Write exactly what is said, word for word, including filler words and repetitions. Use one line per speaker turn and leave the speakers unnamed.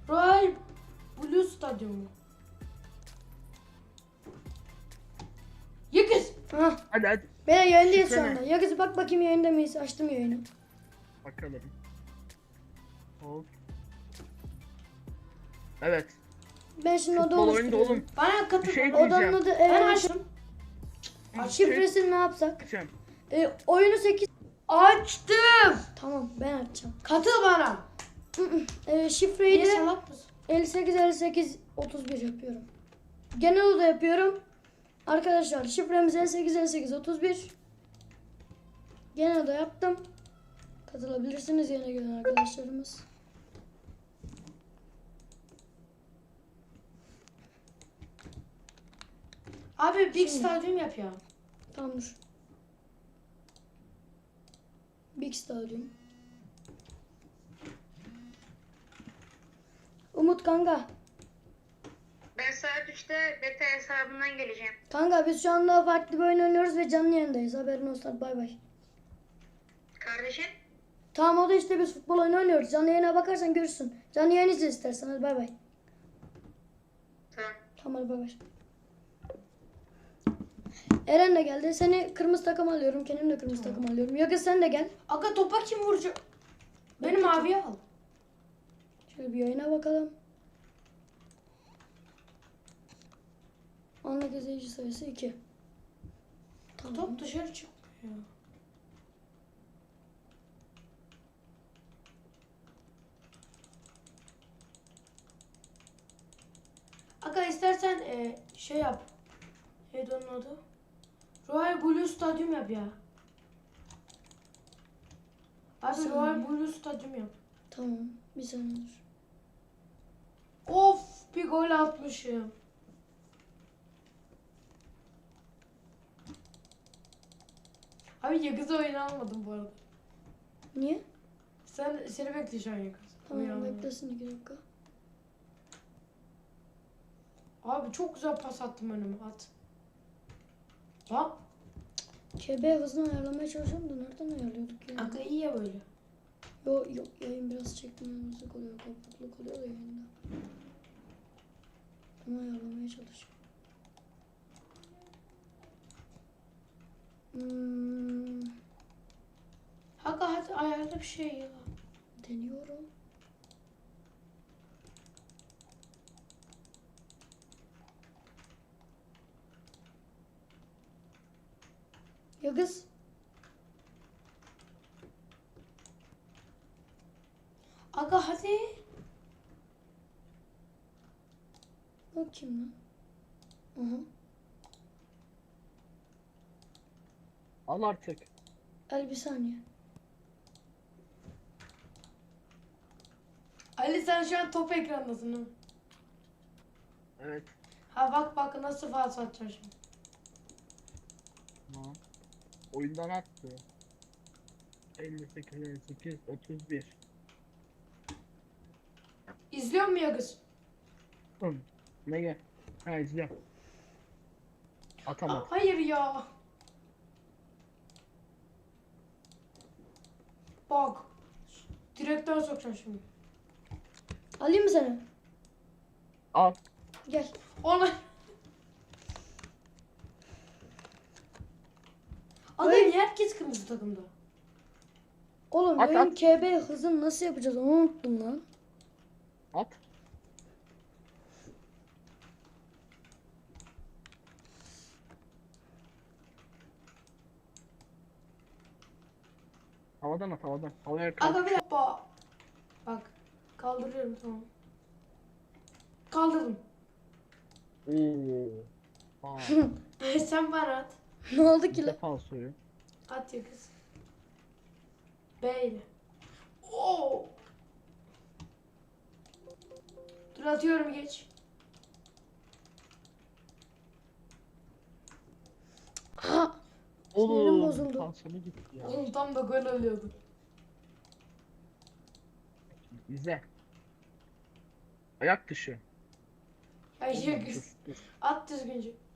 Royal Blue Stadyumu. Yıkız.
Hah.
Hadi hadi.
Ben yayındayız şu
Şifre
anda.
ne?
Ya kızı bak bakayım yayında mıyız? Açtım yayını.
Bakalım. Hop. Evet.
Ben şimdi oda
Futbol oyunda
oluşturuyorum.
oğlum.
Bana katıl.
Bir şey
bana.
Odanın
diyeceğim.
adı
Ben
e,
açtım.
şifresini ne yapsak?
Diyeceğim.
E, oyunu sekiz.
Açtım.
Tamam ben açacağım.
Katıl bana.
E, şifreyi
Niye
de
salak mısın?
elli sekiz elli sekiz otuz bir yapıyorum. Genel oda yapıyorum. Arkadaşlar şifremiz elli sekiz elli sekiz otuz bir. Genel oda yaptım. Katılabilirsiniz yeni gelen arkadaşlarımız.
Abi Big
Şimdi.
Stadyum yap ya.
Tamam dur. Big Stadyum. Umut kanka.
Ben saat üçte beta hesabından geleceğim.
Kanka biz şu anda farklı bir oyun oynuyoruz ve canlı yayındayız. Haberin olsun. Bay bay.
Kardeşim,
Tamam o da işte biz futbol oyunu oynuyoruz. Canlı yayına bakarsan görürsün. Canlı yayın izle istersen. Hadi bay bay.
tamam.
Tamam hadi bay bay. Eren de geldi. Seni kırmızı takım alıyorum. Kendim de kırmızı takım alıyorum. Yakın sen de gel.
Aga topa kim vuracak? Beni maviye al.
Şöyle bir yayına bakalım. Anlık izleyici sayısı iki. Tamam.
Top dışarı çıkmıyor. Aga istersen e, şey yap. Neydi onun adı? Royal Blue Stadyum yap ya. Abi
Saniye.
Royal Blue Stadyum yap.
Tamam. Bir saniye dur.
Of bir gol atmışım. Abi Yakız'ı oyuna almadım bu arada.
Niye?
Sen seni bekle şu an Yakız.
Tamam
Oyuna almadım.
beklesin iki dakika.
Abi çok güzel pas attım önüme at. Lan
K B hızını ayarlamaya çalışıyorum da nereden ayarlıyorduk ya?
aga iyi ya böyle.
Yok yok yayın biraz çekmemezlik oluyor, kopukluk oluyor da yayında. Bunu ayarlamaya çalışıyorum. Hmm,
Aga hadi ayarla bir şey ya.
deniyorum. Ya kız.
Aga hadi.
O kim lan? Aha.
Al artık.
El bir saniye.
Ali sen şu an top ekrandasın değil mi?
Evet.
Ha bak bak nasıl faal atacağım şimdi.
Tamam. Oyundan attı. elli sekiz elli sekiz otuz bir.
İzliyor mu Yakız?
Hı. Ne gel? Ha izle. Atamadı.
Hayır ya. Bak. Direkten sokacağım şimdi.
Alayım mı seni?
Al.
Gel.
Ona. Aga
Hayır.
niye herkes kırmızı takımda?
Oğlum
At,
benim
at.
K B hızını nasıl yapacağız onu unuttum lan.
At. Havadan at havadan. Havaya kalk.
Aga bir dakika. Bak. Kaldırıyorum tamam. Kaldırdım.
Oo. Aa,
Sen bana at.
Ne oldu ki
bir
lan?
defa soruyor.
At Yakız. B ile. Oo. Dur atıyorum geç.
Ha! Sinirim
Oğlum.
bozuldu.
Tansiyonu gitti ya.
Oğlum tam da gol oluyordu.
İzle. Ayak dışı.
Ay
Oğlum,
Yakız.
dur, dur.
At düzgünce.